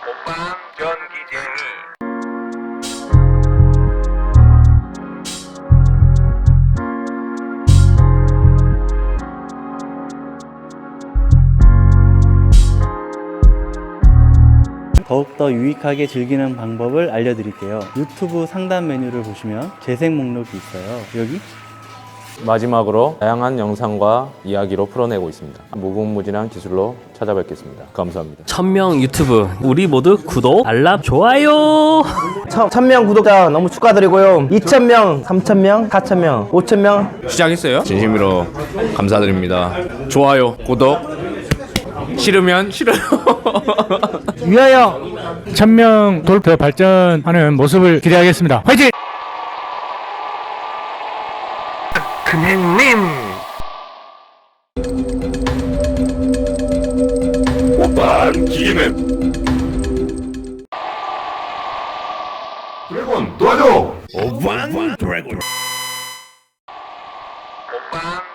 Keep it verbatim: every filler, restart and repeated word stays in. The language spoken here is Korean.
먹방 전기쟁이. 더욱더 유익하게 즐기는 방법을 알려드릴게요. 유튜브 상단 메뉴를 보시면 재생 목록이 있어요. 여기 마지막으로 다양한 영상과 이야기로 풀어내고 있습니다. 무궁무진한 기술로 찾아뵙겠습니다. 감사합니다. 천명 유튜브 우리 모두 구독, 알람, 좋아요. 천 명 구독자 너무 축하드리고요. 이천 명, 삼천 명, 사천 명, 오천 명 시작했어요. 진심으로 감사드립니다. 좋아요, 구독. 싫으면 싫어요. 위하여 천명 돌파 발전하는 모습을 기대하겠습니다. 화이팅! 금행님. 오빤 기계맨 드래곤 도와줘. 오빤 드래곤 먹방